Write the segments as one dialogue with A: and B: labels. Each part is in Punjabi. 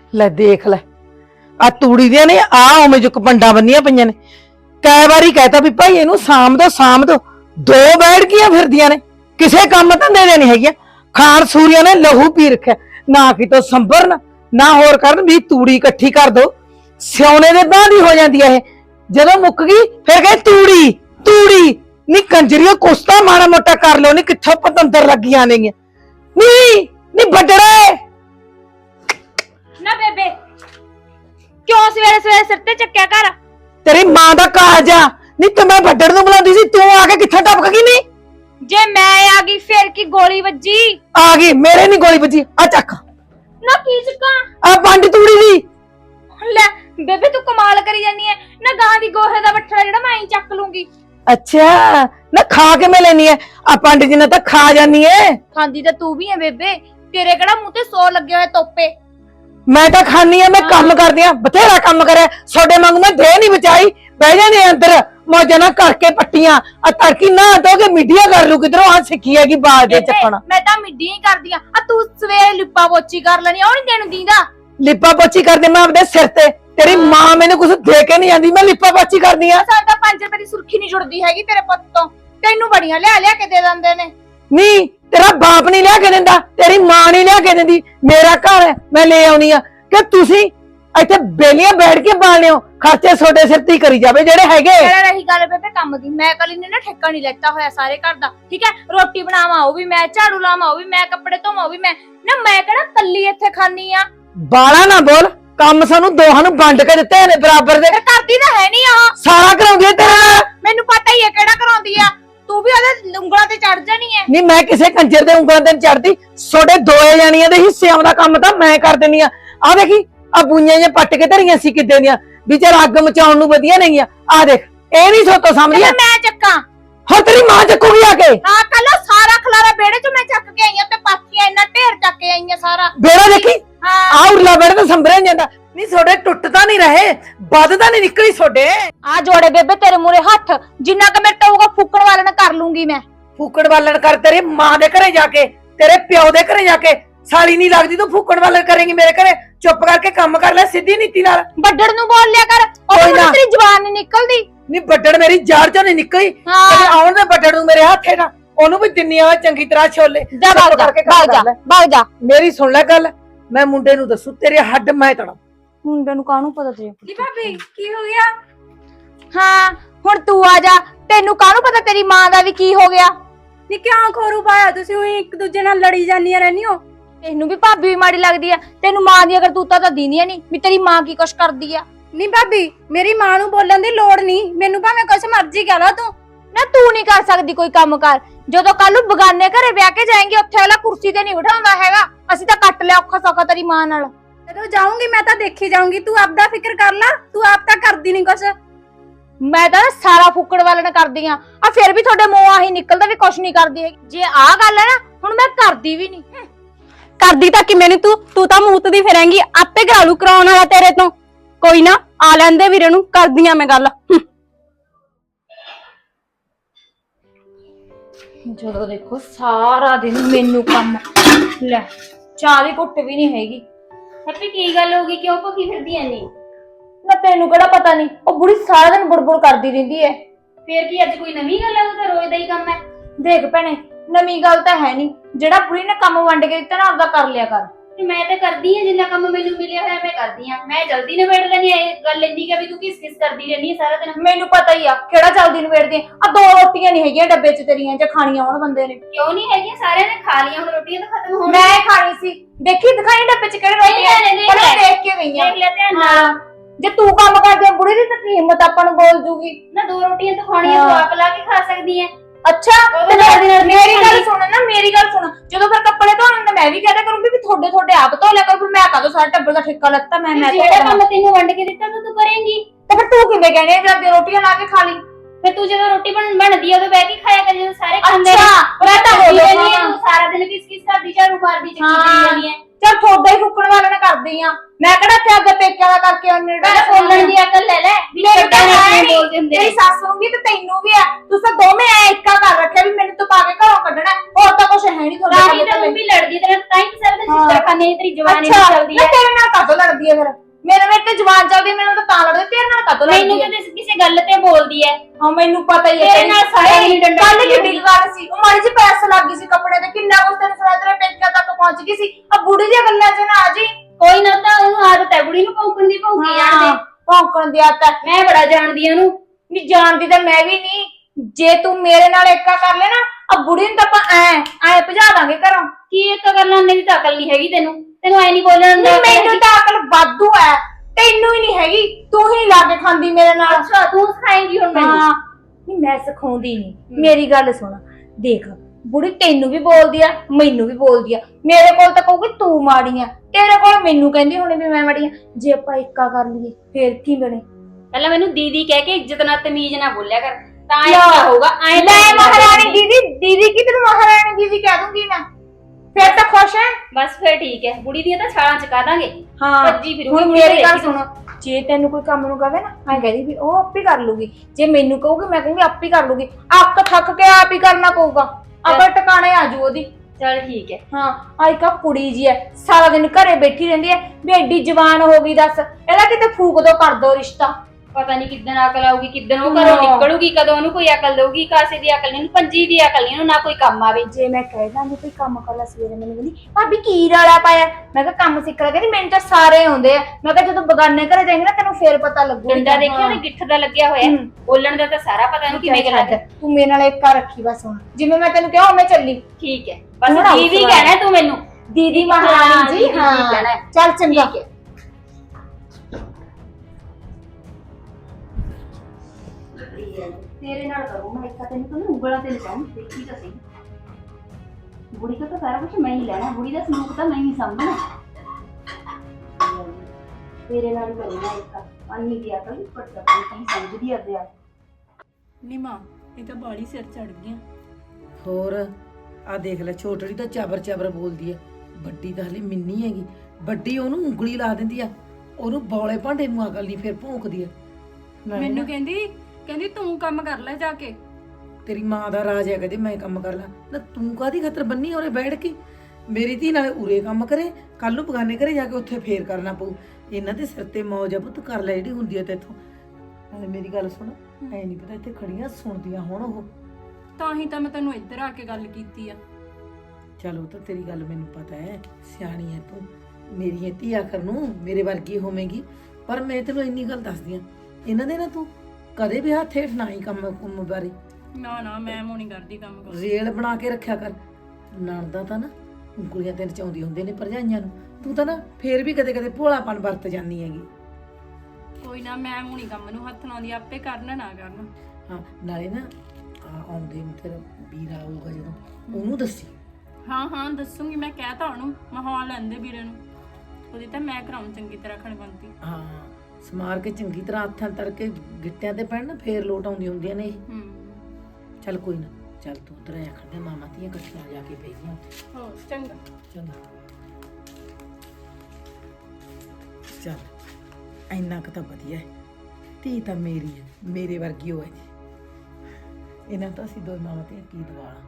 A: ਲੈ ਦੇਖ ਲੈ ਆ ਤੂੜੀ ਦੀਆਂ ਨੇ ਆ ਉਵੇਂ ਜੋ ਪੰਡਾਂ ਬੰਨੀਆਂ ਪਈਆਂ ਨੇ। ਕਈ ਵਾਰੀ ਕਹਿਤਾ ਵੀ ਭਾਈ ਇਹਨੂੰ ਸਾਂਭ ਦੋ ਦੋ ਬੈਠ ਗਈਆਂ ਫਿਰਦੀਆਂ ਨੇ, ਕਿਸੇ ਕੰਮ ਧੰਦੇ ਦੇ ਨਹੀਂ ਹੈਗੀਆਂ। ਖਾਣ ਸੂਰੀਆਂ ਨੇ ਲਹੂ ਪੀ ਰੱਖਿਆ, ਨਾ ਕਿਤੋਂ ਸੰਭਰਨ ਨਾ ਹੋਰ ਕਰਨ ਵੀ ਤੂੜੀ ਇਕੱਠੀ ਕਰ ਦੋ। ਸਿਉਣੇ ਦੇ ਬਾਅਦ ਹੀ ਹੋ ਜਾਂਦੀ ਹੈ ਇਹ, ਜਦੋਂ ਮੁੱਕ ਗਈ ਫਿਰ ਕਹੇ ਤੂੜੀ ਤੂੜੀ। ਨੀ ਕੰਜਰੀਓ ਕੁਸਤਾ ਮਾੜਾ ਮੋਟਾ ਕਰ ਲਓ, ਨੀ ਕਿੱਥੋਂ ਪਤੰਦਰ ਲੱਗੀਆਂ ਨੇਗੀਆਂ। ਨੀ ਬੱਡੜੇ
B: ਨਾ ਬੇਬੇ ਕਿਉਂ ਸਵੇਰੇ ਸਵੇਰੇ ਸਿਰ ਤੇ ਚੱਕਿਆ ਕਰ?
A: ਤੇਰੀ ਮਾਂ ਦਾ ਕਾਜ ਆ। ਨੀ ਤੂੰ ਮੈਂ ਬੱਡੜ ਨੂੰ ਬੁਲਾਉਂਦੀ ਸੀ, ਤੂੰ ਆ ਕੇ ਕਿੱਥੇ ਟਪਕ ਗਈ? ਨੀ
B: ਜੇ ਮੈਂ ਆ ਗਈ ਫਿਰ ਕੀ ਗੋਲੀ ਵੱਜੀ?
A: ਆ ਗਈ ਮੇਰੇ ਨੀ ਗੋਲੀ ਵੱਜੀ। ਆ ਚੱਕ
B: ਨਾ ਕੀ ਚੱਕਾਂ?
A: ਆ ਪੰਡ ਤੂੜੀ ਦੀ।
B: ਲੈ ਬੇਬੇ ਤੂੰ ਕਮਾਲ ਕਰੀ ਜਾਨੀ ਐ ਨਾ। ਗਾਂ ਦੀ ਗੋਹੇ ਦਾ ਵੱਠਾ ਜਿਹੜਾ ਮੈਂ ਹੀ ਚੱਕ ਲੂੰਗੀ।
A: ਅੱਛਾ ਨਾ ਖਾ ਕੇ ਮੈਂ ਲੈਣੀ ਐ ਆ ਪੰਡ ਜਿੰਨਾ ਤਾਂ ਖਾ ਜਾਨੀ ਐ।
B: ਖਾਂਦੀ ਤਾਂ ਤੂੰ ਵੀ ਐ ਬੇਬੇ, ਤੇਰੇ ਕਿਹੜਾ ਮੂੰਹ ਤੇ 100 ਲੱਗੇ ਹੋਏ ਤੋਪੇ।
A: ਮੈਂ ਤਾਂ ਖਾਨੀ ਆ, ਮੈਂ ਕੰਮ ਕਰਦੀ ਆ, ਬਥੇਰਾ ਕੰਮ ਕਰਿਆ। ਛੋਡੇ ਵਾਂਗੂ ਮੈਂ ਦੇ ਨਹੀਂ ਬਚਾਈ। ਬਹਿ ਜਾਣੇ ਅੰਦਰ ਮੌਜਾਂ ਨਾਲ ਕਰਕੇ ਪੱਟੀਆਂ। ਆ ਤੜਕੀ ਨਾ ਦੋਗੇ ਮੀਡੀਆ ਕਰ ਲੂ ਕਿਧਰੋਂ ਆ ਸਿੱਖੀ ਹੈਗੀ ਬਾਜ ਦੇ ਚੱਕਣਾ।
B: ਮੈਂ ਤਾਂ ਮਿੱਡੀਆਂ ਹੀ ਕਰਦੀ ਆ ਤੂੰ ਸਵੇਰੇ ਲਿਪਾ ਪੋਚੀ ਕਰ ਲੈਣੀ, ਉਹ ਨਹੀਂ ਤੈਨੂੰ ਦੀਂਦਾ।
A: ਲਿਪਾ ਪੋਚੀ ਕਰਦੇ ਮੈਂ ਆਪਦੇ ਸਿਰ ਤੇ। ਤੇਰੀ ਮਾਂ ਮੈਨੂੰ ਕੁਝ ਦੇ ਕੇ ਨਹੀਂ ਜਾਂਦੀ, ਮੈਂ ਲਿਪਾ ਪੋਚੀ ਕਰਦੀ ਆ।
B: ਸਾਡਾ 5 ਰੁਪਏ ਦੀ ਸੁਰਖੀ ਨਹੀਂ ਜੁੜਦੀ ਹੈਗੀ ਤੇਰੇ ਪੁੱਤ ਤੋਂ, ਤੈਨੂੰ ਬੜੀਆਂ ਲਿਆ ਕੇ ਦੇ ਦਿੰਦੇ ਨੇ।
A: ਨਹੀਂ ਤੇਰਾ ਬਾਪ ਨਹੀਂ ਲਿਆ ਕੇ ਦਿੰਦਾ, ਤੇਰੀ ਮਾਂ ਨਹੀਂ ਲਿਆ ਕੇ ਦਿੰਦੀ। ਮੇਰਾ ਘਰ ਹੈ, ਮੈਂ ਲੈ ਆਉਣੀ ਆ। ਕਿ ਤੁਸੀਂ ਇੱਥੇ ਬੇਲੀਆਂ ਬੈਠ ਕੇ ਬਾਲਣੇ ਹੋ, ਖਰਚੇ ਛੋਡੇ ਸਿਰ ਤੇ ਹੀ ਕਰੀ ਜਾਵੇ ਜਿਹੜੇ ਹੈਗੇ।
B: ਕਿਹੜਾ ਰਹੀ ਗੱਲ ਬੇਬੇ ਕੰਮ ਦੀ, ਮੈਂ ਕੱਲੀ ਨੇ ਨਾ ਠੇਕਾ ਨਹੀਂ ਲੈਤਾ ਹੋਇਆ ਸਾਰੇ ਘਰ ਦਾ, ਠੀਕ ਹੈ। ਰੋਟੀ ਬਣਾਵਾਂ ਉਹ ਵੀ ਮੈਂ, ਝਾੜੂ ਲਾਵਾਂ ਉਹ ਵੀ ਮੈਂ, ਕੱਪੜੇ ਧੋਵਾਂ ਉਹ ਵੀ ਮੈਂ। ਨਾ ਮੈਂ ਕਿਹੜਾ ਕੱਲੀ ਇੱਥੇ ਖਾਨੀ ਆ।
A: ਬਾਲਾ ਨਾ ਬੋਲ, ਕੰਮ ਸਾਨੂੰ ਦੋਹਾਂ ਨੂੰ ਵੰਡ ਕੇ ਦਿੱਤੇ ਨੇ ਬਰਾਬਰ ਦੇ।
B: ਕਰਦੀ ਤਾਂ ਹੈ ਨਹੀਂ ਆ,
A: ਸਾਰਾ ਕਰਾਉਂਦੀ ਹੈ ਤੇਰੇ ਨਾਲ।
B: ਮੈਨੂੰ ਪਤਾ ਹੀ ਹੈ ਕਿਹੜਾ ਕਰਾਉਂਦੀ ਆ। ਤੂੰ ਵੀ ਉਹਦੇ ਉਂਗਲਾਂ ਤੇ ਚੜ ਜਾਣੀ ਹੈ।
A: ਨਹੀਂ ਮੈਂ ਕਿਸੇ ਕੰਜਰ ਦੇ ਉਂਗਲਾਂ ਤੇ ਚੜਦੀ। ਛੋਡੇ ਦੋਏ ਜਾਣੀਆਂ ਦੇ ਹਿੱਸੇ ਆਉਂਦਾ ਕੰਮ ਤਾਂ ਮੈਂ ਕਰ ਦਿੰਦੀ ਆ। ਆ ਦੇਖੀ ਆ ਬੂਈਆਂ ਜੇ ਪੱਟ ਕੇ ਧਰੀਆਂ ਸੀ ਕਿੱਦਾਂ ਦੀਆਂ, ਵੀ ਚਲ ਅੱਗ ਮਚਾਉਣ ਨੂੰ ਵਧੀਆ ਨਹੀਂ ਆ। ਆ ਦੇਖ ਇਹ ਨਹੀਂ ਸੋਤੋ ਸਮਝੀ।
B: ਮੈਂ ਚੱਕਾਂ
A: ਹੁਣ ਤੇਰੀ ਮਾਂ ਚੱਕੂਗੀ ਆ ਕੇ।
B: ਹਾਂ ਕੱਲ ਸਾਰਾ ਖਲਾਰਾ ਵਿਹੜੇ ਚੋਂ ਮੈਂ ਚੱਕ ਕੇ ਆਈ ਆ ਤੇ ਪਾਥੀਆਂ ਇੰਨਾ ਢੇਰ ਚੱਕ ਕੇ ਆਈ ਆ ਸਾਰਾ
A: ਬੇੜਾ ਦੇਖੀ।
B: ਹਾਂ
A: ਆ ਉਰਲਾ ਬੇੜਾ ਤਾਂ ਸੰਭਰਿਆ ਜਾਂਦਾ। ਨਹੀਂ ਛੋਡੇ ਟੁੱਟਦਾ ਨਹੀਂ ਰਹੇ, ਵੱਧਦਾ ਨਹੀਂ ਨਿਕਲੀ ਛੋਡੇ।
B: ਆ ਜੋੜੇ ਬੇਬੇ ਤੇਰੇ ਮੂਰੇ ਹੱਥ, ਜਿੰਨਾ ਕਿ ਮੇਰੇ ਤੋਂ ਹੋਊਗਾ ਫੂਕਣ ਵਾਲੇ ਨਾਲ ਕਰ ਲੂੰਗੀ ਮੈਂ।
A: ਫੂਕਣ ਵਾਲਣ ਕਰ ਤੇਰੇ ਮਾਂ ਦੇ ਘਰੇ ਜਾ ਕੇ, ਤੇਰੇ ਪਿਓ ਦੇ ਘਰੇ ਜਾ ਕੇ। ਸਾਲੀ ਨਹੀਂ ਲੱਗਦੀ ਤੂੰ ਫੂਕਣ ਵਾਲਣ ਕਰੇਂਗੀ ਮੇਰੇ ਘਰੇ। ਚੁੱਪ ਕਰਕੇ ਕੰਮ ਕਰ ਲੈ ਸਿੱਧੀ ਨੀਤੀ ਨਾਲ।
B: ਵੱਡੜ ਨੂੰ ਬੋਲ ਲਿਆ ਕਰ,
A: ਕੋਈ ਨਾ।
B: ਉਹ ਤੇਰੀ ਜ਼ੁਬਾਨ ਨਹੀਂ ਨਿਕਲਦੀ।
A: ਨਹੀਂ ਵੱਡੜ ਮੇਰੀ ਜਾੜ ਚੋਂ ਨਹੀਂ ਨਿਕਲੀ।
B: ਹਾਂ।
A: ਤੇ ਆਉਣ ਦੇ ਵੱਡੜ ਨੂੰ ਮੇਰੇ ਹੱਥੇ ਨਾ, ਉਹਨੂੰ ਵੀ ਦਿੰਨੀਆਂ ਚੰਗੀ ਤਰ੍ਹਾਂ ਛੋਲੇ।
B: ਜਾ
A: ਚੁੱਪ
B: ਭਾਗ ਜਾ
A: ਕਰਕੇ ਕੰਮ
B: ਭਾਗ ਜਾ
A: ਕਰ ਲੈ।
B: ਭਾਗ ਜਾ।
A: ਮੇਰੀ ਸੁਣ ਲੈ ਗੱਲ, ਮੈਂ ਮੁੰਡੇ ਨੂੰ ਦੱਸੂ ਤੇਰੇ ਹੱਡ ਮੈਂ ਤੜਾਂ।
B: ਮੁੰਡੇ ਨੂੰ ਕਾਹਨੂੰ ਪਤਾ ਤੇ
C: ਜੀ ਭਾਬੀ ਕੀ ਹੋ ਗਿਆ?
B: ਹਾਂ ਹੁਣ ਤੂੰ ਆ ਜਾ, ਤੈਨੂੰ ਕਾਹਨੂੰ ਪਤਾ ਤੇਰੀ ਮਾਂ ਦਾ ਵੀ ਕੀ ਹੋ ਗਿਆ।
C: ਨੀ ਕਿਉਂ ਖੋਰੂ ਪਾਇਆ ਤੁਸੀਂ? ਉਹੀ ਇੱਕ ਦੂਜੇ ਨਾਲ ਲੜੀ ਜਾਂਦੀਆਂ ਰਹਿੰਦੀਆਂ ਹੋ।
B: ਤੈਨੂੰ ਵੀ ਭਾਬੀ ਵੀ ਮਾੜੀ ਲੱਗਦੀ ਆ, ਤੈਨੂੰ ਮਾਂ ਦੀ ਅਗਰ ਤੂੰ ਤਾਂ ਦੀਂਦੀਆਂ ਨਹੀਂ ਵੀ ਤੇਰੀ ਮਾਂ ਕੀ ਕੁਛ ਕਰਦੀ ਆ।
C: ਨੀ ਭਾਬੀ ਮੇਰੀ ਮਾਂ ਨੂੰ ਬੋਲਣ ਦੀ ਲੋੜ ਨਹੀਂ, ਮੈਨੂੰ ਭਾਵੇਂ ਕੁਛ ਮਰਜ਼ੀ ਕਹਿ ਲਾ ਤੂੰ।
B: ਨਾ ਤੂੰ ਨਹੀਂ ਕਰ ਸਕਦੀ ਕੋਈ ਕੰਮ ਕਰ। ਜਦੋਂ ਕੱਲ ਨੂੰ ਬਗਾਨੇ ਘਰੇ ਵਿਆਹ ਕੇ ਜਾਏਂਗੇ ਉੱਥੇ ਵਾਲਾ ਕੁਰਸੀ ਤੇ ਨਹੀਂ ਬਿਠਾਉਂਦਾ ਹੈਗਾ। ਅਸੀਂ ਤਾਂ ਕੱਟ ਲਿਆ ਔਖਾ ਸੌਖਾ ਤੇਰੀ ਮਾਂ ਨਾਲ।
C: ਜਦੋਂ ਜਾਊਂਗੀ ਮੈਂ ਤਾਂ ਦੇਖੀ ਜਾਊਂਗੀ, ਤੂੰ ਆਪਦਾ ਫਿਕਰ ਕਰ ਲੈ। ਤੂੰ ਆਪ ਤਾਂ ਕਰਦੀ ਨਹੀਂ ਕੁਛ।
B: ਮੈਂ ਤਾਂ ਸਾਰਾ ਫੁੱਕੜ ਵਾਲਣ ਕਰਦੀ ਆ ਫਿਰ ਵੀ ਤੁਹਾਡੇ ਮੂੰਹ ਆਹੀ ਨਿਕਲਦਾ ਵੀ ਕੁਛ ਨਹੀਂ ਕਰਦੀ ਹੈਗੀ। ਜੇ ਆਹ ਗੱਲ ਹੈ ਨਾ ਹੁਣ ਮੈਂ ਕਰਦੀ ਵੀ ਨਹੀਂ।
D: ਕਰਦੀ ਤਾਂ ਕਿਵੇਂ ਨਹੀਂ ਤੂੰ ਤਾਂ ਮੂਤ ਦੀ ਫਿਰੇਂਗੀ। ਆਪੇ ਕਰਾ ਲੂ ਕਰਾਉਣ ਵਾਲਾ ਤੇਰੇ ਤੋਂ। ਕੋਈ ਨਾ ਆ ਲੈਂਦੇ ਵੀਰੇ ਨੂੰ, ਕਰਦੀਆਂ ਮੈਂ ਗੱਲ।
B: ਜਦੋਂ ਦੇਖੋ ਸਾਰਾ ਦਿਨ ਮੈਨੂੰ ਕੰਮ। ਲੈ ਚਾਹ ਦੀ ਘੁੱਟ ਵੀ ਨਹੀਂ ਹੈਗੀ।
E: ਹੈਪੀ ਕੀ ਗੱਲ ਹੋ ਗਈ? ਕਿਉਂ ਭੁੱਖੀ ਫਿਰਦੀ ਐ ਨੀ?
B: ਨਾ ਤੈਨੂੰ ਕਿਹੜਾ ਪਤਾ ਨਹੀਂ, ਉਹ ਬੁੜੀ ਸਾਰਾ ਦਿਨ ਬੁੜਬੁੜ ਕਰਦੀ ਰਹਿੰਦੀ ਐ।
E: ਫੇਰ ਕੀ ਅੱਜ ਕੋਈ ਨਵੀਂ ਗੱਲ ਹੈ? ਉਹ ਤਾਂ ਰੋਜ਼ ਦਾ ਹੀ ਕੰਮ ਹੈ।
B: ਦੇਖ ਭੈਣੇ ਨਵੀਂ ਗੱਲ ਤਾਂ ਹੈ ਨਹੀਂ, ਜਿਹੜਾ ਬੁੜੀ ਨੇ ਕੰਮ ਵੰਡ ਕੇ ਦਿੱਤਾ ਨਾ ਆਪਦਾ ਕਰ ਲਿਆ ਕਰ।
E: ਤੇ ਮੈਂ ਤਾਂ ਕਰਦੀ ਆ, ਜਿੰਨਾ ਕੰਮ ਮੈਨੂੰ ਮਿਲਿਆ ਹੋਇਆ ਮੈਂ ਕਰਦੀ ਆ। ਮੈਂ ਜਲਦੀ ਨਿਬੇੜ ਲੈਣੀ ਆ। ਇਹ ਗੱਲ ਇੰਨੀ ਕਿ ਵੀ ਤੂੰ ਕਿਸ ਕਰਦੀ ਰਹਿੰਦੀ ਆ ਸਾਰਾ ਦਿਨ।
B: ਮੈਨੂੰ ਪਤਾ ਹੀ ਆ ਕਿਹੜਾ ਜਲਦੀ ਨਿਬੇੜਦੀ ਆ। 2 ਰੋਟੀਆਂ ਨਹੀਂ ਹੈਗੀਆਂ ਡੱਬੇ 'ਚ ਤੇਰੀਆਂ, ਜੇ ਖਾਣੀਆਂ ਹੋਣ ਬੰਦੇ ਨੇ।
E: ਕਿਉਂ ਨਹੀਂ ਹੈਗੀਆਂ? ਸਾਰਿਆਂ ਨੇ ਖਾ ਲਈਆਂ, ਹੁਣ ਰੋਟੀਆਂ ਤਾਂ ਖਤਮ ਹੋ
B: ਮੈਂ ਖਾਣੀ ਸੀ। ਦੇਖੀ ਦਿਖਾਈ ਡੱਬੇ 'ਚ ਕਿਹੜੇ ਰੋਟੀਆਂ ਨੇ, ਪਹਿਲਾਂ ਦੇਖ ਕੇ ਗਈਆਂ।
E: ਦੇਖ ਲਿਆ ਧਿਆਨ ਨਾਲ।
B: ਜੇ ਤੂੰ ਕੰਮ ਕਰਦੀ ਆ ਬੁੜੀ ਦੀ ਤਾਂ ਕੀ ਹਿੰਮਤ ਆਪਾਂ ਨੂੰ ਬੋਲ ਜੂਗੀ।
E: ਨਾ 2 ਰੋਟੀਆਂ ਤਾਂ ਖਾਣੀਆਂ, ਤੂੰ ਆਪ ਲਾ ਕੇ ਖਾ ਸਕਦੀ ਐ।
B: ਅੱਛਾ ਤੇ ਮੇਰੀ ਗੱਲ ਸੁਣ ਨਾ, ਮੇਰੀ ਗੱਲ ਸੁਣ। ਜਦੋਂ ਫਿਰ ਕੱਪੜੇ ਧੋਣ ਦਾ ਮੈਂ ਵੀ ਕਹਦਾ ਕਰੂੰਗੀ ਵੀ ਤੁਹਾਡੇ ਆਪ ਧੋ ਲਿਆ ਕਰ। ਮੈਂ ਕਦੋਂ ਸਾਰਾ ਟੱਬਰ ਦਾ ਠੇਕਾ ਲੱਤਾ। ਮੈਂ
E: ਜਿਹੜਾ ਕੰਮ ਤੈਨੂੰ ਵੰਡ ਕੇ ਦਿੱਤਾ ਤੂੰ ਕਰੇਂਗੀ।
B: ਤੇ ਫਿਰ ਤੂੰ ਕਿਵੇਂ ਕਹਿਣੀ ਜਦ ਦੀ ਰੋਟੀਆਂ ਲਾ ਕੇ ਖਾ ਲਈ?
E: ਫਿਰ ਤੂੰ ਜਦੋਂ ਰੋਟੀ ਬਣਦੀ ਆ ਉਦੋਂ ਬਹਿ ਕੇ ਖਾਇਆ ਕਰ, ਜਦੋਂ ਸਾਰੇ ਖਾਂਦੇ ਨੇ।
B: ਮੈਂ ਤਾਂ
E: ਕਰਦੀ
B: ਬੋਲ
E: ਰਹਿੰਦੀ ਆ, ਤੂੰ ਸਾਰਾ ਦਿਨ ਕਿਸ ਕਰਦੀ, ਝਾੜੂ ਮਾਰਦੀ, ਚੱਕੀ ਕਰੀ ਜਾਂਦੀ ਐ।
B: ਚੱਲ ਥੋੜਾ ਹੀ ਫੁੱਕਣ ਵਾਲੇ ਨੇ ਕਰਦੀ ਆ। ਮੈਂ ਕਿਹੜਾ ਤੇ ਅੱਗੇ ਪੇਕਿਆਂ ਦਾ ਕਰਕੇ ਉਹਨੇ
E: ਬੋਲਣ ਦੀ ਅਕਲ ਲੈ ਲੈ।
B: ਬੋਲ ਦਿੰਦੇ ਤੇਰੀ ਸੱਸ ਨੂੰ ਵੀ ਤੇ ਤੈਨੂੰ ਵੀ ਆ। ਤੁਸੀਂ ਦੋਵੇਂ ਐ ਇੱਕਾ ਕਰ ਰੱਖਿਆ ਵੀ ਮੈਨੂੰ ਤੂੰ ਪਾ ਕੇ ਘਰੋਂ ਕੱਢਣਾ। ਹੋਰ ਤਾਂ ਕੁਛ ਹੈ ਨਹੀਂ ਤੁਹਾਡੇ
E: ਤਾਂ ਤੂੰ ਵੀ ਲੜਦੀ, ਤੇਰਾ ਤਾਂ ਹੀ ਸਾਰਾ ਦਿਨ ਸਿਸਟਰ ਖਾਨੇ ਤੇਰੀ ਜਵਾਨੀ
B: ਅੱਛਾ
E: ਚੱਲਦੀ
B: ਨਾ
E: ਹੈ।
B: ਤੇਰੇ ਨਾਲ ਕਾਹਤੋਂ ਲੜਦੀ ਹੈ ਫਿਰ ਮੇਰੇ ਤੇ ਜਵਾਨ ਚੱਲਦੀ ਹੈ, ਮੈਨੂੰ ਤਾਂ ਲੜਦੀ ਹੈ, ਤੇਰੇ ਨਾਲ ਕਾਹਤੋਂ
E: ਮੈਨੂੰ
B: ਲੜਦੀ ਹੈ?
E: ਕਹਿੰਦੇ ਕਿਸੇ ਗੱਲ ਤੇ ਬੋਲਦੀ ਹੈ।
B: ਹਾਂ ਮੈਨੂੰ ਪਤਾ ਹੀ ਹੈ
E: ਤੇਰੇ ਨਾਲ ਸਾਰਿਆਂ ਦੀ ਡੰਡਾ
B: ਕੱਲ
E: ਵੱਜੀ
B: ਕਿੰਨੀ ਕੁ ਗੱਲ ਸੀ ਉਹ ਮਾੜੀ ਜਿਹੀ ਪੈਸ ਲੱਗ ਗਈ ਸੀ ਕੱਪੜੇ ਤੇ ਕਿੰਨਾ ਕੁ ਤੈਨੂੰ ਸੁਣਾ ਤੇਰੇ ਪੇਕਿਆਂ ਤੱਕ ਪਹੁੰਚ ਗਈ ਸੀ ਆ ਬੁੜੀ ਦੀਆਂ ਗੱਲਾਂ 'ਚ ਨਾ ਆ ਜੀ
E: ਕੋਈ ਨਾ ਤਾਂ ਉਹਨੂੰ ਆਦਤ ਹੈ ਬੁੜੀ ਨੂੰ ਭੌਂਕਣ ਦੀ ਭੌਂਕੀ ਜਾਣਦੇ।
B: ਭੌਂਕਣ ਦੀ ਆਦਤ ਹੈ
E: ਮੈਂ ਬੜਾ ਜਾਣਦੀ ਆ ਉਹਨੂੰ।
B: ਨਹੀਂ ਜਾਣਦੀ ਤਾਂ ਮੈਂ ਵੀ ਨਹੀਂ ਜੇ ਤੂੰ ਮੇਰੇ ਨਾਲ ਏਕਾ ਕਰ ਲੈ ਨਾ ਆ ਬੁੜੀ ਨੂੰ ਤਾਂ ਆਪਾਂ ਐ ਭਜਾ ਦਾਂਗੇ ਘਰੋਂ
E: ਕੀ ਇੱਕ ਗੱਲਾਂ ਮੇਰੀ ਤਾਂ ਅਕਲ ਨਹੀਂ ਹੈਗੀ ਤੈਨੂੰ ਤੈਨੂੰ ਐ ਨਹੀਂ ਬੋਲਣ
B: ਨਹੀਂ ਮੈਨੂੰ ਤਾਂ ਅਕਲ ਵਾਧੂ ਹੈ ਤੈਨੂੰ ਹੀ ਨਹੀਂ ਹੈਗੀ ਤੂੰ ਹੀ ਲਾ ਕੇ ਖਾਂਦੀ ਮੇਰੇ ਨਾਲ
E: ਅੱਛਾ ਤੂੰ ਸਿਖਾਏਂਗੀ ਹੁਣ ਮੈਨੂੰ।
B: ਹਾਂ ਨਹੀਂ ਮੈਂ ਸਿਖਾਉਂਦੀ ਨਹੀਂ ਮੇਰੀ ਗੱਲ ਸੁਣ ਦੇਖ ਬੁੜੀ ਤੈਨੂੰ ਵੀ ਬੋਲਦੀ ਆ ਮੈਨੂੰ ਵੀ ਬੋਲਦੀ ਆ ਮੇਰੇ ਕੋਲ ਤਾਂ ਕਹੂਗੀ ਤੂੰ ਮਾੜੀ ਆ ਤੇਰੇ ਕੋਲ ਮੈਨੂੰ ਕਹਿੰਦੀ ਹੋਣੀ ਵੀ ਮੈਂ ਮਾੜੀ ਆ ਜੇ ਆਪਾਂ ਏਕਾ ਕਰ ਲਈਏ ਫੇਰ ਕੀ ਬਣੇ
E: ਪਹਿਲਾਂ ਮੈਨੂੰ ਦੀਦੀ ਕਹਿ ਕੇ ਇੱਜ਼ਤ ਨਾਲ ਤਮੀਜ਼ ਨਾਲ ਬੋਲਿਆ ਕਰ ਤਾਂ ਇਹ
B: ਲੈ।
E: ਹੋਊਗਾ ਐ
B: ਲੈ ਮਹਾਰਾਣੀ ਦੀਦੀ ਦੀਦੀ ਕੀ ਤੈਨੂੰ ਮਹਾਰਾਣੀ ਦੀਦੀ ਕਹਿ ਦੂੰਗੀ ਮੈਂ ਫੇਰ ਤਾਂ ਖੁਸ਼ ਹੈ
E: ਬਸ ਫਿਰ ਠੀਕ ਹੈ ਬੁੜੀ ਦੀਆਂ ਤਾਂ ਛਾਲਾਂ ਚਕਾ ਦਾਂਗੇ।
B: ਹਾਂ
E: ਭੱਜੀ ਫਿਰੂਗੀ
B: ਹੁਣ
E: ਬੁੜੀ
B: ਮੇਰੀ ਗੱਲ
E: ਦੇਖੀ
B: ਸੁਣ ਜੇ ਤੈਨੂੰ ਕੋਈ ਕੰਮ ਨੂੰ ਕਹੇ ਨਾ ਮੈਂ ਕਹਦੀ ਵੀ ਉਹ ਆਪੇ ਕਰ ਲੂਗੀ ਜੇ ਮੈਨੂੰ ਕਹੂਗੀ ਮੈਂ ਕਹੂੰਗੀ ਆਪੇ ਕਰ ਲੂਗੀ ਅੱਖ ਥੱਕ ਕੇ ਆਪ ਹੀ ਕਰਨਾ ਪਊਗਾ ਅਗਰ ਟਿਕਾਣੇ ਆਜੂ ਉਹਦੀ
E: ਚੱਲ ਠੀਕ ਹੈ।
B: ਹਾਂ ਆਈ ਕਾ ਕੁੜੀ ਜੀ ਐ ਸਾਰਾ ਦਿਨ ਘਰੇ ਬੈਠੀ ਰਹਿੰਦੀ ਐ ਵੀ ਐਡੀ ਜਵਾਨ ਹੋ ਗਈ ਦੱਸ ਇਹਦਾ ਕਿਤੇ ਫੂਕ ਦੋ ਕਰ ਦੋ ਰਿਸ਼ਤਾ
E: ਪਤਾ ਨਹੀਂ ਕਿੱਦਣ ਅਕਲ ਆਊਗੀ ਕਿੱਦਣ ਉਹ ਘਰੋਂ ਨਿਕਲੂਗੀ ਕਦੋਂ ਉਹਨੂੰ ਕੋਈ ਅਕਲ ਦਊਗੀ ਕਾਸੇ ਦੀ ਅਕਲ ਨਹੀਂ ਪੰਜੀ ਦੀ ਅਕਲ ਨਹੀਂ ਉਹਨੂੰ ਨਾ ਕੋਈ ਕੰਮ ਆਵੇ।
B: ਜੇ ਮੈਂ ਕਹਿ ਦਾਂਗੀ ਕੋਈ ਕੰਮ ਕਰ ਲੈ ਸਵੇਰੇ ਮੈਨੂੰ ਕਹਿੰਦੀ ਭਾਬੀ ਕੀ ਰੌਲਾ ਪਾਇਆ ਮੈਂ ਕਿਹਾ ਕੰਮ ਸਿੱਖ ਲੈ ਕਹਿੰਦੀ ਮੈਨੂੰ ਤਾਂ ਸਾਰੇ ਆਉਂਦੇ ਆ ਮੈਂ ਕਿਹਾ ਜਦੋਂ ਬਗਾਨੇ ਘਰੇ ਜਾਏਂਗੇ ਨਾ ਤੈਨੂੰ ਫੇਰ ਪਤਾ ਲੱਗੂ
E: ਡੰਡਾ ਦੇਖਿਆ ਉਹਦੇ ਗਿੱਠ ਦਾ ਲੱਗਿਆ ਹੋਇਆ ਬੋਲਣ ਦਾ ਤਾਂ ਸਾਰਾ ਪਤਾ ਇਹਨੂੰ ਕਿਵੇਂ ਗੱਲਾਂ ਕਰ।
B: ਤੂੰ ਮੇਰੇ ਨਾਲ ਏਕਾ ਰੱਖੀ ਬਸ ਹੁਣ ਜਿਵੇਂ ਮੈਂ ਤੈਨੂੰ ਕਿਹਾ ਉਵੇਂ ਚੱਲੀ
E: ਠੀਕ ਹੈ ਬਸ ਦੀਦੀ ਕਹਿਣਾ ਤੂੰ ਮੈਨੂੰ
B: ਦੀਦੀ ਮਹਾਰਾਣੀ ਜੀ ਹਾਂ ਚੱਲ ਚੰਗਾ
E: तेरे नाल करूं मैं एक तेन तो उंगलों ते लगाऊं देखी तो सही बुढ़ी का तो सारा कुछ मैं ही लेना बुढ़ी का सलूक तो मैं ही समझना तेरे नाल करूं मैं एक अन्नी दिया कर पर सब की समझ दिया दे
D: ਨੀ ਮਾਂ ਇਹ ਤਾਂ ਬਾਲੀ ਸਿਰ ਚੜ ਗਈਆਂ।
A: ਹੋਰ ਆ ਦੇਖ ਲੈ ਛੋਟੜੀ ਤਾਂ ਚਾਬਰ ਚਾਬਰ ਬੋਲਦੀ ਐ ਵੱਡੀ ਤਾਂ ਹਲੇ ਮਿੰਨੀ ਹੈਗੀ ਵੱਡੀ ਉਹਨੂੰ ਉਂਗਲੀ ਲਾ ਦਿੰਦੀ ਆ ਉਹਨੂੰ ਬੌਲੇ ਭਾਂਡੇ ਨੂੰ ਅਕਲ ਨਹੀਂ ਫਿਰ ਭੌਂਕਦੀ ਆ
D: ਮੈਨੂੰ ਕਹਿੰਦੀ ਤੂੰ ਕੰਮ ਕਰ ਲੈ ਜਾ ਕੇ।
A: ਤੇਰੀ ਮਾਂ ਦਾ ਰਾਜ ਹੈ ਕਦੇ ਮੈਂ ਕੰਮ ਕਰ ਲਾਂ ਨਾ ਤੂੰ ਕਾਦੀ ਖਾਤਰ ਬੰਨੀ ਉਰੇ ਬੈਠ ਕੇ ਮੇਰੀ ਧੀ ਨਾਲੇ ਉਰੇ ਕੰਮ ਕਰੇ ਕੱਲ ਨੂੰ ਬਗਾਨੇ ਘਰੇ ਜਾ ਕੇ ਉੱਥੇ ਫੇਰ ਕਰਨਾ ਪਊ ਇਹਨਾਂ ਦੇ ਸਿਰ ਤੇ ਮੌਜ ਆ ਪੁੱਤ ਕਰ ਲੈ ਜਿਹੜੀ ਹੁੰਦੀ ਐ ਤੇਥੋਂ ਨਾਲੇ ਮੇਰੀ ਗੱਲ ਸੁਣ ਐ ਨਹੀਂ ਪਤਾ ਇੱਥੇ ਖੜੀਆਂ ਸੁਣਦੀਆਂ ਹੁਣ ਉਹ
D: ਤਾਂ ਹੀ ਤਾਂ ਮੈਂ ਤੈਨੂੰ ਇੱਧਰ ਆ ਕੇ ਗੱਲ ਕੀਤੀ ਆ।
A: ਚਲੋ ਤਾਂ ਤੇਰੀ ਗੱਲ ਮੈਨੂੰ ਪਤਾ ਹੈ ਸਿਆਣੀ ਹੈ ਤੂੰ ਮੇਰੀ ਧੀ ਆਖਰ ਨੂੰ ਮੇਰੇ ਵਰਗੀ ਹੋਵੇਂਗੀ ਪਰ ਮੈਂ ਤੈਨੂੰ ਇੰਨੀ ਗੱਲ ਦੱਸਦੀ ਆ ਇਹਨਾਂ ਦੇ ਨਾ ਤੂੰ ਕਦੇ ਵੀ ਹੱਥ ਹੇਠ ਨਾ ਹੀ ਕੰਮ ਬਾਰੇ
D: ਨਾ ਮੈਂ ਮੋਣੀ ਕਰਦੀ ਕੰਮ ਕਰ।
A: ਰੇਲ ਬਣਾ ਕੇ ਰੱਖਿਆ ਕਰ ਨਣਦਾ ਤਾਂ ਨਾ ਉਂਗਲੀਆਂ ਤੇ ਨਚਾਉਂਦੀ ਹੁੰਦੇ ਨੇ ਭਰਜਾਈਆਂ ਨੂੰ ਤੂੰ ਤਾਂ ਨਾ ਫੇਰ ਵੀ ਕਦੇ ਕਦੇ ਭੋਲਾਪਨ ਵਰਤ ਜਾਂਦੀ ਹੈਗੀ।
D: ਕੋਈ ਨਾ ਮੈਂ ਮੋਣੀ ਕੰਮ ਨੂੰ ਹੱਥ ਲਾਉਂਦੀ ਆਪੇ ਕਰਨਾ ਨਾ ਕਰਨਾ।
A: ਹਾਂ ਨਾਲੇ ਨਾ ਆਉਂਦੇ ਨੂੰ ਤੇਰਾ ਵੀਰ ਆਊਗਾ ਜਦੋਂ ਉਹਨੂੰ ਦੱਸੀ।
D: ਹਾਂ ਦੱਸੂਗੀ ਮੈਂ ਕਹਿਤਾ ਉਹਨੂੰ ਮਾਹੌਲ ਲੈਂਦੇ ਵੀਰੇ ਨੂੰ ਉਹਦੀ ਤਾਂ ਮੈਂ ਕਰਾਉਂ ਚੰਗੀ ਤਰ੍ਹਾਂ ਖਣਬੰਦੀ।
A: ਹਾਂ ਸਮਾਰ ਕੇ ਚੰਗੀ ਤਰ੍ਹਾਂ ਹੱਥਾਂ ਤੜਕੇ ਗਿੱਟਿਆਂ ਤੇ ਪੈਣ ਨਾ ਫੇਰ ਲੋਟ ਆਉਂਦੀਆਂ ਹੁੰਦੀਆਂ ਨੇ ਇਹ। ਚੱਲ ਕੋਈ ਨਾ ਚੱਲ ਤੂੰ ਉਧਰ ਆ ਖੜਦੇ ਮਾਮਾ ਧੀਆਂ ਇਕੱਠੀਆਂ ਜਾ ਕੇ ਪਈਆਂ
D: ਹੋ ਚੰਗਾ
A: ਚੰਗਾ ਚੱਲ ਇੰਨਾ ਕੁ ਤਾਂ ਵਧੀਆ ਹੈ ਧੀ ਤਾਂ ਮੇਰੀ ਹੈ ਮੇਰੇ ਵਰਗੀ ਹੋਏ ਜੀ ਇਹਨਾਂ ਤਾਂ ਅਸੀਂ ਦੋ ਮਾਵਾਂ ਧੀਆਂ ਕੀ ਦਵਾਲਾ।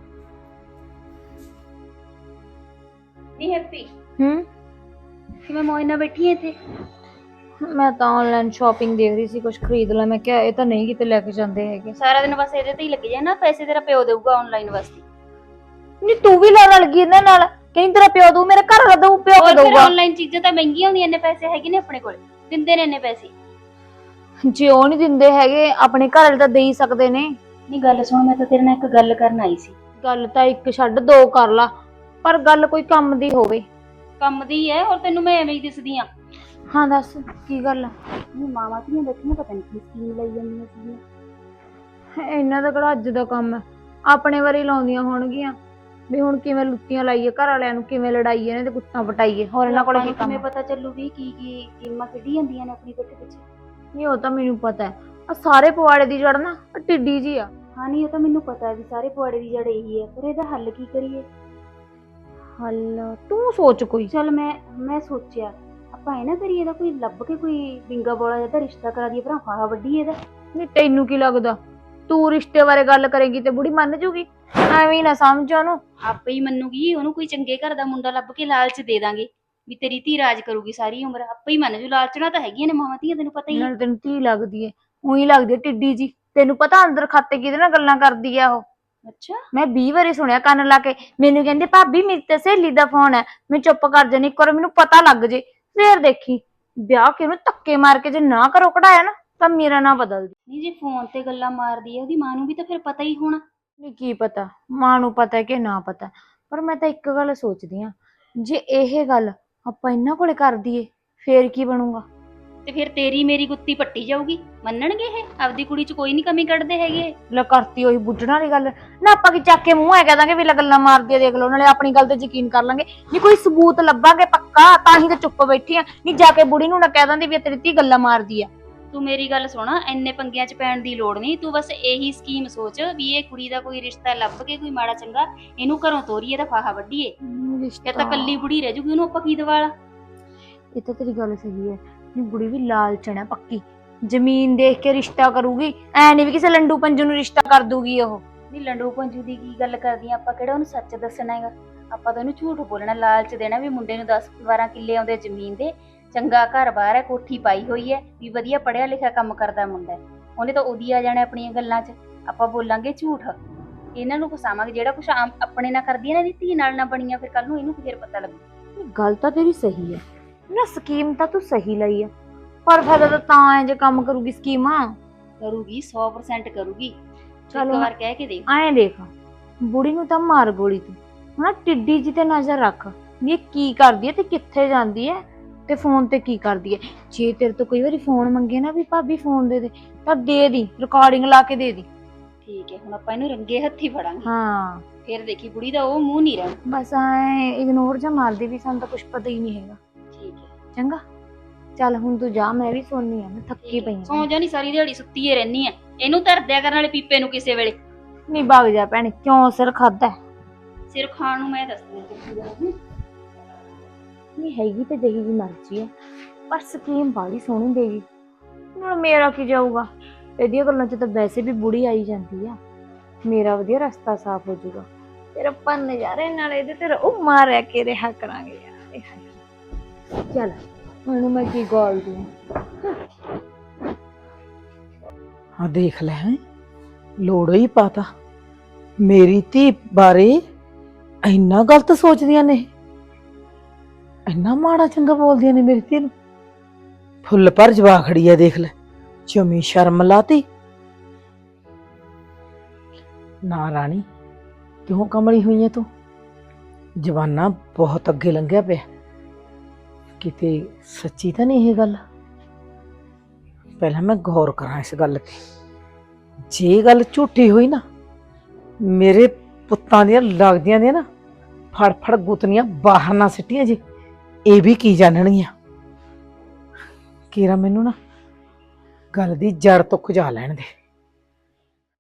E: नहीं हैप्पी
C: हम्म
E: कि मैं मोइना बैठी है थे
C: मैं तो ऑनलाइन शॉपिंग देख रही थी कुछ खरीद ला मैं क्या ये तो नहीं किते लेके जाते हैगे
E: सारा दिन बस ਇਹਦੇ ਤੇ ਹੀ ਲੱਗੀ ਜਾਏ ਨਾ ਪੈਸੇ ਤੇਰਾ ਪਿਓ ਦੇਊਗਾ ਆਨਲਾਈਨ ਵਾਸਤੇ
C: नहीं तू भी लाना लगी इन्हां नाल कहीं तेरा प्यो दू मेरे घर वाला दू प्यो
E: ਹੋਰ
C: को
E: ਫਿਰ
C: दूगा
E: ਆਨਲਾਈਨ ਚੀਜ਼ਾਂ ਤਾਂ ਮਹਿੰਗੀਆਂ ਹੁੰਦੀਆਂ ਨੇ ਪੈਸੇ ਹੈਗੇ ਨੇ ਆਪਣੇ ਕੋਲ ਦਿੰਦੇ ਨੇ ਇੰਨੇ ਪੈਸੇ
C: जे ओ नहीं दिंदे हैगे अपने घर वाले तो दे ही सकदे ने
E: ਨਹੀਂ ਗੱਲ ਸੁਣ ਮੈਂ ਤਾਂ ਤੇਰੇ ਨਾਲ ਇੱਕ ਗੱਲ ਕਰਨ ਆਈ ਸੀ
C: गल तो एक छड्ड दो कर ला पर गल कोई काम दी होवे
E: ਕੰਮ ਦੀ ਹੈ ਔਰ ਤੈਨੂੰ ਮੈਂ ਐਵੇਂ ਹੀ ਦਿਸਦੀ ਆ
C: हाँ दस की गल
E: ਨਹੀਂ ਮਾਵਾਂ ਧੀਆਂ ਬੈਠੀਆਂ ਪਤਾ ਨਹੀਂ ਕੀ ਸਕੀਮ ਲਈ ਜਾਂਦੀਆਂ ਸੀਗੀਆਂ
C: इन्ना दा किहड़ा अज दा काम है अपने वारी लाउंदियां होणगीਆਂ ਵੀ ਹੁਣ ਕਿਵੇਂ ਲੁੱਟੀਆਂ ਲਾਈਏ ਘਰ ਵਾਲਿਆਂ ਨੂੰ ਕਿਵੇਂ ਲੜਾਈਏ ਇਹਨਾਂ ਦੇ ਕੁੱਤਾਂ ਪਟਾਈਏ ਹੋਰ ਇਹਨਾਂ ਕੋਲ ਕੀ ਕੰਮ
E: ਕਿਵੇਂ ਪਤਾ ਚੱਲੂ ਵੀ ਕੀ ਗੇਮਾਂ ਖੇਡੀ ਜਾਂਦੀਆਂ ਨੇ ਆਪਣੀ ਪਿੱਠ ਪਿੱਛੇ
C: ਨਹੀਂ ਉਹ ਤਾਂ ਮੈਨੂੰ ਪਤਾ ਹੈ ਆ ਸਾਰੇ ਪਵਾੜੇ ਦੀ ਜੜ ਨਾ ਟਿੱਡੀ ਜੀ ਆ
E: ਹਾਂ ਨਹੀਂ ਉਹ ਤਾਂ ਮੈਨੂੰ ਪਤਾ ਹੈ ਵੀ ਸਾਰੇ ਪੁਆੜੇ ਦੀ ਜੜ ਇਹੀ ਹੈ ਪਰ ਇਹਦਾ ਹੱਲ ਕੀ ਕਰੀਏ
C: ਹੱਲ ਤੂੰ ਸੋਚ ਕੋਈ
E: ਚੱਲ ਮੈਂ ਸੋਚਿਆ ਆਪਾਂ ਇਹ ਨਾ ਕਰੀਏ ਇਹਦਾ ਕੋਈ ਲੱਭ ਕੇ ਕੋਈ ਬਿੰਗਾ ਬੋਲਾ ਜਿਹਾ ਤਾਂ ਰਿਸ਼ਤਾ ਕਰਾ ਦਈਏ ਭਰਾ ਫਾਹਾ ਵੱਡੀ ਇਹਦਾ
C: ਨਹੀਂ ਤੈਨੂੰ ਕੀ ਲੱਗਦਾ ਤੂੰ ਰਿਸ਼ਤੇ ਬਾਰੇ ਗੱਲ ਕਰੇਗੀ ਤੇ ਬੁੜੀ ਮੰਨ ਜੂਗੀ ਐਵੇਂ ਨਾ ਸਮਝ ਉਹਨੂੰ।
E: ਆਪੇ ਹੀ ਮੰਨੂਗੀ, ਉਹਨੂੰ ਕੋਈ ਚੰਗੇ ਘਰ ਦਾ ਮੁੰਡਾ ਲੱਭ ਕੇ ਲਾਲਚ ਦੇ ਦਾਂਗੇ ਵੀ ਤੇਰੀ ਧੀ ਰਾਜ ਕਰੂਗੀ ਸਾਰੀ ਉਮਰ, ਆਪੇ ਹੀ ਮੰਨ ਜੂ। ਲਾਲਚਣਾ ਤਾਂ ਹੈਗੀਆਂ ਨੇ ਮਾਵਾਂ ਧੀਆਂ, ਤੈਨੂੰ ਪਤਾ ਹੀ ਹੈ।
C: ਨਾਲ ਤੈਨੂੰ ਧੀ ਲੱਗਦੀ ਏ, ਉਹੀ ਲੱਗਦੀ ਏ ਟਿੱਡੀ ਜੀ। ਤੈਨੂੰ ਪਤਾ ਅੰਦਰ ਖਾਤੇ ਕਿਹਦੇ ਨਾਲ ਗੱਲਾਂ ਕਰਦੀ ਆ ਉਹ?
E: ਅੱਛਾ,
C: ਮੈਂ 20 ਵਾਰੀ ਸੁਣਿਆ ਕੰਨ ਲਾ ਕੇ। ਮੈਨੂੰ ਕਹਿੰਦੇ ਭਾਬੀ ਮੇਰੀ ਤੇ ਸਹੇਲੀ ਦਾ ਫੋਨ ਹੈ। ਮੈਂ ਚੁੱਪ ਕਰ ਜਾਨੀ, ਇੱਕ ਵਾਰ ਮੈਨੂੰ ਪਤਾ ਲੱਗ ਜੇ ਫੇਰ ਦੇਖੀ ਵਿਆਹ ਕੇ ਉਹਨੂੰ ਧੱਕੇ ਮਾਰ ਕੇ ਜੇ ਨਾ ਘਰੋਂ ਕਢਾਇਆ ਨਾ ਤਾਂ ਮੇਰਾ ਨਾਂ ਬਦਲਦੀ।
E: ਨਹੀਂ ਜੇ ਫੋਨ ਤੇ ਗੱਲਾਂ ਮਾਰਦੀ ਹੈ ਉਹਦੀ ਮਾਂ ਨੂੰ ਵੀ ਤਾਂ ਫਿਰ ਪਤਾ ਹੀ ਹੋਣਾ।
C: ਨਹੀਂ ਕੀ ਪਤਾ ਮਾਂ ਨੂੰ ਪਤਾ ਕਿ ਨਾ ਪਤਾ, ਪਰ ਮੈਂ ਤਾਂ ਇੱਕ ਗੱਲ ਸੋਚਦੀ ਆ, ਜੇ ਇਹ ਗੱਲ ਆਪਾਂ ਇਹਨਾਂ ਕੋਲੇ ਕਰ ਦਈਏ ਫੇਰ ਕੀ ਬਣੂਗਾ?
E: ਤੇ ਫਿਰ ਤੇਰੀ ਮੇਰੀ ਗੁੱਤੀ ਪੱਟੀ ਜਾਊਗੀ। ਮੰਨਣਗੇ ਇਹ? ਆਪਦੀ ਕੁੜੀ 'ਚ ਕੋਈ ਨਹੀਂ ਕਮੀ ਕੱਢਦੇ ਹੈਗੇ।
C: ਲੈ ਕਰਤੀ ਉਹੀ ਬੁੱਢਣ ਵਾਲੀ ਗੱਲ ਨਾ। ਆਪਾਂ ਕੀ ਚੱਕ ਕੇ ਮੂੰਹ ਐ ਕਹਿ ਦਾਂਗੇ ਵੀ ਲੈ ਗੱਲਾਂ ਮਾਰਦੀ ਆ ਦੇਖ ਲਓ, ਨਾਲੇ ਆਪਣੀ ਗੱਲ ਤੇ ਯਕੀਨ ਕਰ ਲਾਂਗੇ। ਨਹੀਂ ਕੋਈ ਸਬੂਤ ਲੱਭਾਂਗੇ ਪੱਕਾ, ਤਾਂ ਹੀ ਤਾਂ ਚੁੱਪ ਬੈਠੀ ਆ। ਨਹੀਂ ਜਾ ਕੇ ਬੁੜੀ ਨੂੰ ਨਾ ਕਹਿ ਦਿੰਦੀ ਵੀ ਤੇਰੀ ਧੀ ਗੱਲਾਂ ਮਾਰਦੀ ਆ।
E: ਤੂੰ ਮੇਰੀ ਗੱਲ ਸੁਣ, ਇੰਨੇ ਪੰਗਿਆਂ 'ਚ ਪੈਣ ਦੀ ਲੋੜ ਨਹੀਂ। ਤੂੰ ਬਸ ਇਹੀ ਸਕੀਮ ਸੋਚ ਵੀ ਇਹ ਕੁੜੀ ਦਾ ਕੋਈ ਰਿਸ਼ਤਾ ਲੱਭ ਕੇ ਕੋਈ ਮਾੜਾ ਚੰਗਾ ਇਹਨੂੰ ਘਰੋਂ ਤੋਰੀਏ ਤਾਂ ਫਾਹਾ ਵੱਢੀਏ। ਇਹ ਤਾਂ ਕੱਲੀ ਬੁੜੀ ਰਹਿ ਜੂਗੀ, ਉਹਨੂੰ ਆਪਾਂ ਕੀ ਦਵਾਲਾ।
C: ਇਹ ਤਾਂ ਤੇਰੀ ਗੱਲ ਸਹੀ ਹੈ। ਨਹੀਂ ਬੁੜੀ ਵੀ ਲਾਲਚਣ ਹੈ ਪੱਕੀ, ਜ਼ਮੀਨ ਦੇਖ ਕੇ ਰਿਸ਼ਤਾ ਕਰੂਗੀ। ਐ ਨਹੀਂ ਵੀ ਕਿਸੇ ਲੰਡੂ ਪੰਜੂ ਨੂੰ ਰਿਸ਼ਤਾ ਕਰ ਦੂਗੀ ਉਹ।
E: ਨਹੀਂ ਲੰਡੂ ਪੰਜੂ ਦੀ ਕੀ ਗੱਲ ਕਰਦੀ ਆਂ? ਆਪਾਂ ਕਿਹੜਾ ਉਹਨੂੰ ਸੱਚ ਦੱਸਣਾ ਹੈਗਾ। ਆਪਾਂ ਤਾਂ ਉਹਨੂੰ ਝੂਠ ਬੋਲਣਾ, ਲਾਲਚ ਦੇਣਾ ਵੀ ਮੁੰਡੇ ਨੂੰ 10-12 ਕਿੱਲੇ ਆਉਂਦੇ ਜ਼ਮੀਨ ਦੇ, ਚੰਗਾ ਘਰ-ਬਾਰ ਹੈ, ਕੋਠੀ ਪਾਈ ਹੋਈ ਹੈ, ਵੀ ਵਧੀਆ ਪੜ੍ਹਿਆ ਲਿਖਿਆ ਕੰਮ ਕਰਦਾ ਮੁੰਡਾ ਹੈ। ਉਹਨੇ ਤਾਂ ਉਹਦੀ ਆ ਜਾਣਾ ਆਪਣੀਆਂ ਗੱਲਾਂ 'ਚ। ਆਪਾਂ ਬੋਲਾਂਗੇ ਝੂਠ, ਇਹਨਾਂ ਨੂੰ ਫਸਾਵਾਂਗੇ। ਜਿਹੜਾ ਕੁਛ ਆਪਣੇ ਨਾਲ ਕਰਦੀ ਹੈ ਨਾ, ਇਹਦੀ ਧੀ ਨਾਲ ਨਾ ਬਣੀਆਂ, ਫਿਰ ਕੱਲ ਨੂੰ ਇਹਨੂੰ ਫਿਰ ਪਤਾ ਲੱਗੂ।
C: ਗੱਲ ਤਾਂ ਤੇਰੀ ਸਹੀ ਹੈ ਨਾ, ਸਕੀਮ ਤਾਂ ਤੂੰ ਸਹੀ ਲਈ ਆ, ਪਰ ਫਾਇਦਾ ਤਾਂ ਐ ਜੇ ਕੰਮ ਕਰੂਗੀ ਸਕੀਮਾਂ।
E: ਕਰੂਗੀ 100% ਕਰੂਗੀ।
C: ਚਲੋ
E: ਇੱਕ ਵਾਰ ਕਹਿ ਕੇ ਦੇਖ।
C: ਐਂ ਦੇਖ ਬੁੜੀ ਨੂੰ ਤਾਂ ਮਾਰ ਗੋਲੀ ਤੂੰ ਹਨਾ, ਟਿੱਡੀ ਜੀ ਤੇ ਨਜ਼ਰ ਰੱਖ ਵੀ ਇਹ ਕੀ ਕਰਦੀ ਹੈ ਤੇ ਕਿੱਥੇ ਜਾਂਦੀ ਹੈ ਤੇ ਫੋਨ ਤੇ ਕੀ ਕਰਦੀ ਹੈ। ਜੇ ਤੇਰੇ ਤੋਂ ਕਈ ਵਾਰੀ ਫੋਨ ਮੰਗੇ ਨਾ ਵੀ ਭਾਬੀ ਫੋਨ ਦੇ ਦੇ, ਤਾਂ ਦੇ ਦੀ, ਰਿਕਾਰਡਿੰਗ ਲਾ ਕੇ ਦੇ ਦੀ।
E: ਠੀਕ ਹੈ, ਹੁਣ ਆਪਾਂ ਇਹਨੂੰ ਰੰਗੇ ਹੱਥੀ ਫੜਾਂਗੇ।
C: ਹਾਂ
E: ਫਿਰ ਦੇਖੀ ਬੁੜੀ ਦਾ ਉਹ ਮੂੰਹ ਨਹੀਂ ਰਹਿਣਾ।
C: ਬਸ ਐ ਇਗਨੋਰ ਜਾਂ ਮਾਰਦੀ ਵੀ, ਸਾਨੂੰ ਤਾਂ ਕੁਝ ਪਤਾ ਹੀ ਨਹੀਂ ਹੈਗਾ।
E: ਠੀਕ ਹੈ,
C: ਚੰਗਾ ਚੱਲ ਹੁਣ ਤੂੰ ਜਾ, ਮੈਂ ਵੀ ਸੋਨੀ ਆ, ਮੈਂ ਥੱਕੀ ਪਈ
E: ਸੌਂ ਜਾ। ਨਹੀਂ ਸਾਰੀ ਦਿਹਾੜੀ ਸੁੱਤੀ ਏ ਰਹਿਨੀ ਆ। ਇਹਨੂੰ ਧਰ ਦਿਆ ਕਰਨ ਵਾਲੇ ਪੀਪੇ ਨੂੰ ਕਿਸੇ ਵੇਲੇ।
C: ਨਹੀਂ ਭੱਗ ਜਾ ਭੈਣ, ਕਿਉਂ ਸਿਰ ਖਾਦਾ?
E: ਸਿਰ ਖਾਣ ਨੂੰ ਮੈਂ ਦੱਸਦੀ।
C: ਨਹੀਂ ਹੈਗੀ ਤੇ ਜਿਹੀ ਜੀ ਮਰਜ਼ੀ ਹੈ, ਪਰ ਸਕੀਮ ਬਾੜੀ ਸੋਹਣੀ ਦੇਗੀ। ਨਾਲ ਮੇਰਾ ਕੀ ਜਾਊਗਾ? ਇਹਦੀਆਂ ਗੱਲਾਂ 'ਚ ਤਾਂ ਵੈਸੇ ਵੀ ਬੁੜੀ ਆਈ ਜਾਂਦੀ ਆ। ਮੇਰਾ ਵਧੀਆ ਰਸਤਾ ਸਾਫ਼ ਹੋ ਜਾਊਗਾ। ਫਿਰ ਆਪਾਂ ਨਜ਼ਾਰੇ ਨਾਲ ਇਹਦੇ ਤੇ ਉਹ ਮਾਰਿਆ ਕੇ ਰਿਹਾ ਕਰਾਂਗੇ ਯਾਰ। ਚੱਲ ਹੁਣ ਮੈਂ ਕੀ ਗੋਲਦੀ
A: ਆ ਦੇਖ ਲੈ ਹੈਂ, ਲੋੜੋ ਹੀ ਪਾਤਾ। ਮੇਰੀ ਧੀ ਬਾਰੇ ਇੰਨਾ ਗਲਤ ਸੋਚਦੀਆਂ ਨੇ, ਇੰਨਾ ਮਾੜਾ ਚੰਗਾ ਬੋਲਦੀਆਂ ਨੇ ਮੇਰੀ ਧੀ ਨੂੰ। ਫੁੱਲ ਪਰ ਜਵਾ ਖੜੀ ਆ ਦੇਖ ਲੈ, ਜਮੀ ਸ਼ਰਮ ਲਾਤੀ। ਨਾ ਰਾਣੀ, ਕਿਉਂ ਕਮਲੀ ਹੋਈ ਐ ਤੂੰ? ਜਵਾਨਾ ਬਹੁਤ ਅੱਗੇ ਲੰਘਿਆ ਪਿਆ, ਕਿਤੇ ਸੱਚੀ ਤਾਂ ਨਹੀਂ ਇਹ ਗੱਲ? ਪਹਿਲਾਂ ਮੈਂ ਗੌਰ ਕਰਾਂ ਇਸ ਗੱਲ ਤੇ। ਜੇ ਗੱਲ ਝੂਠੀ ਹੋਈ ਨਾ, ਮੇਰੇ ਪੁੱਤਾਂ ਦੀਆਂ ਲੱਗਦੀਆਂ ਦੀਆਂ ਨਾ ਫੜ ਫੜ ਗੁੱਤਨੀਆਂ ਬਾਹਰ ਨਾ ਸਿੱਟੀਆਂ ਜੀ, ਇਹ ਵੀ ਕੀ ਜਾਣਣਗੀਆਂ। ਕੀਰਾ ਮੈਨੂੰ ਨਾ ਗੱਲ ਦੀ ਜੜ ਤੋਂ ਖੁਜਾ ਲੈਣ ਦੇ।